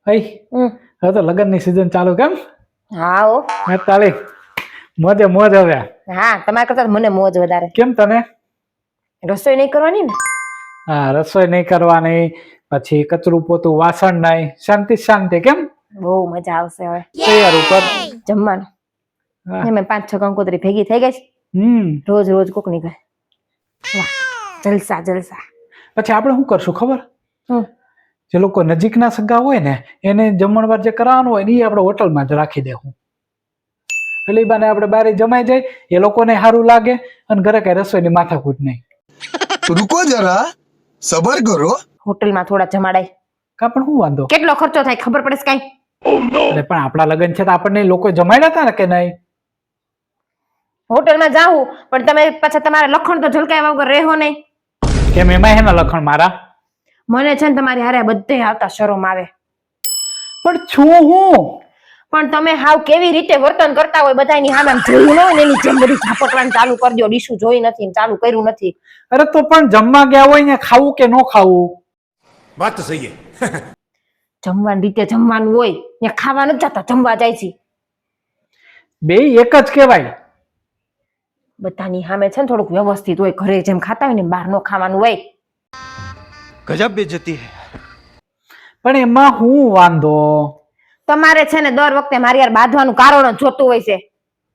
ભાઈ હવે તો લગ્નની સીઝન ચાલુ કેમ? હા ઓ તાળી મોજે મોજ હવે. હા તમારા કરતા મને મોજ વધારે. કેમ તને? રસોઈ નહીં કરવાની ને? હા રસોઈ નહીં કરવાની, પછી કચરું પોતું વાસણ નહીં, શાંતિ શાંતિ. કેમ? બહુ મજા આવશે હવે તૈયાર ઉપર જમવાનું. મેં 5-6 કંકોત્રી ભેગી થઈ ગઈ છે. રોજ રોજ કોક ની ઘરે. વાહ જલસા જલસા. પછી આપણે શું કરશું ખબર? હું જે લોકો નજીકના સગા હોય ને એને જમણવાર જે કરાવવાનું હોય ને એ આપણે હોટલમાં જ રાખી દેવું. એટલે એ બાને આપણે બારે જમાઈ જાય, એ લોકોને સારું લાગે અને ઘરે કઈ રસોઈની માથાકૂટ નહીં. રૂકો જરા સબર કરો. હોટલમાં થોડા જમાડાય. કા પણ શું વાંધો? કેટલો ખર્ચો થાય ખબર પડે છે કઈ? અરે પણ આપણા લગ્ન છે તો આપણને લોકો જમાડ્યા હતા ને કે નહીં? હોટલમાં જાવું પણ તમે પાછા તમારા લખણ તો ઝલકાયા વગર રહેવો નહીં. કેમ એમાં હેના લખણ મારા? મને છે ને તમારી હારે બધે આવતા શરમ આવે. પણ છું હું પણ તમે હાવ કેવી રીતે વર્તન કરતા હોય બધાની સામે આમ જોયું ન હોય ને એની જેમ બધું ઝાપટવાનું ચાલુ કરી દો. ડીશું જોઈ નથી ને ચાલુ કર્યું નથી. અરે તો પણ જમવા ગયા હોય ને ખાવું કે ન ખાવું? વાત તો સહી હે. જમવાની રીતે જમવાનું હોય ને ખાવા નથી જતા જમવા જાય છે. બે એક જ કહેવાય. બધાની સામે છે ને થોડુંક વ્યવસ્થિત હોય. ઘરે જેમ ખાતા હોય ને બહાર નો ખાવાનું હોય. ગજબ બેઇજ્જતી હે. પણ એમાં હું વાંધો? તમારે છે ને દર વખતે મારી યાર બાંધવાનું કારણ જ જોતું હોય છે.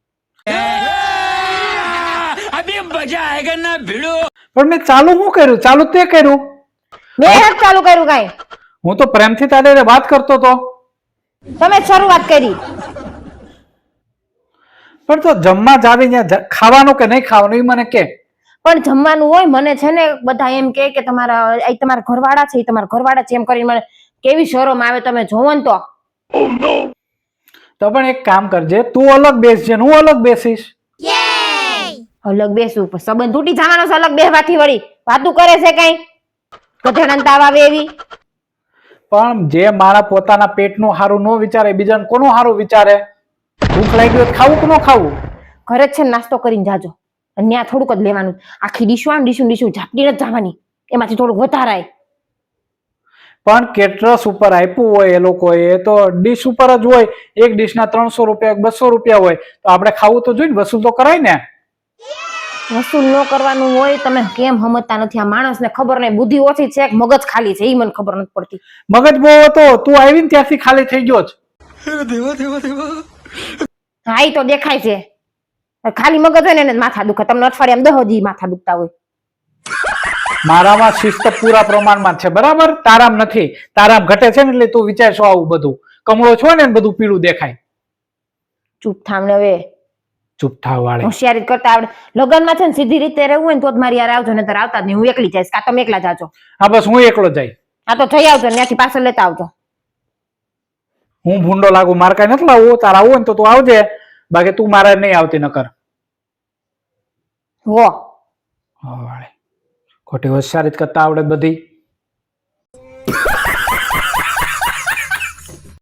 અભી મજા આયેગા ના ભીડો. પણ મેં ચાલુ શું કર્યું? ચાલુ તે કર્યું. મેં જ ચાલુ કર્યું કાઈ? હું તો પ્રેમથી તારે વાત કરતો તો. તમે જ શરૂઆત કરી. પણ તો જમવા જ આવીને ખાવાનું કે નહીં ખાવાનું એ મને કે. પણ જમવાનું હોય. મને છે ને બધા એમ કે તમારા ઘરવાળા છે, તમારા ઘરવાળા છે એમ કરીને મને કેવી શરમ આવે તમે જોવો ને તો. તો પણ એક કામ કરજે, તું અલગ બેસજે ને હું અલગ બેસીશ. અલગ બેસું પણ સંબંધ તૂટી જવાનો છે અલગ બેસવાથી. વળી વાતું કરે છે કઈ ગધેડાને તાવ આવે એવી. પણ જે મારા પોતાના પેટનું હારું ન વિચારે બીજાને કોનું હારું વિચારે? ભૂખ લાગી હોય ખાવું કે ન ખાવું? ઘરે જ છે ને નાસ્તો કરીને જાજો. અને ત્યાં થોડુંક જ લેવાનું. આખી ડીશું ઝાપટી જ જવાની. એમાંથી થોડુંક વધારાય. પણ કેટરસ ઉપર આપ્યું હોય એ લોકોએ તો ડીશ ઉપર જ હોય. એક ડીશના 300 રૂપિયા 200 રૂપિયા હોય તો આપણે ખાવું તો જોઈએ ને, વસૂલ તો કરાય ને. વસૂલ ન કરવાનું હોય. તમે કેમ સમજતા નથી? આ માણસને ખબર નહીં બુદ્ધિ ઓછી છે કે મગજ ખાલી છે એ મને ખબર નથી પડતી. મગજ બહુ હતો, તું આવી ને ત્યારથી ખાલી થઈ ગયો જ. દેવા દેવા દેવા. હા ઈ તો દેખાય છે. ખાલી મગજ હોય ને એને જ માથા દુખે. તમને અઠવાડિયામાં 10 દી માથા દુખતા હોય. મારામાં શિસ્ત પૂરા પ્રમાણમાં છે બરાબર, તારામ નથી. તારામ ઘટે છે ને એટલે તું વિચારશો આવું બધું. કમળો છો ને બધું પીળું દેખાય. ચૂપ થાવ ને હવે. ચૂપ થાવ વાળે. હોશિયારી કરતા આવડે. લગ્નમાં છે ને સીધી રીતે રહેવું હોય ને તો જ મારી યાર આવજો, નહીતર આવતા જ નહીં. હું એકલી જઈશ કાં તમે એકલા જાજો. હા બસ હું એકલો જાય. હા તો જઈ આવજો, ત્યાંથી પાછળ લેતા આવજો. હું ભૂંડો લાગુ, મારે કઈ નથી લાવવું. તારા આવું હોય ને તો તું આવજે, બાકી તું મારે નહીં આવતી નકર. હો વાળે ખોટી હોશિયારી કરતા આવડે બધી.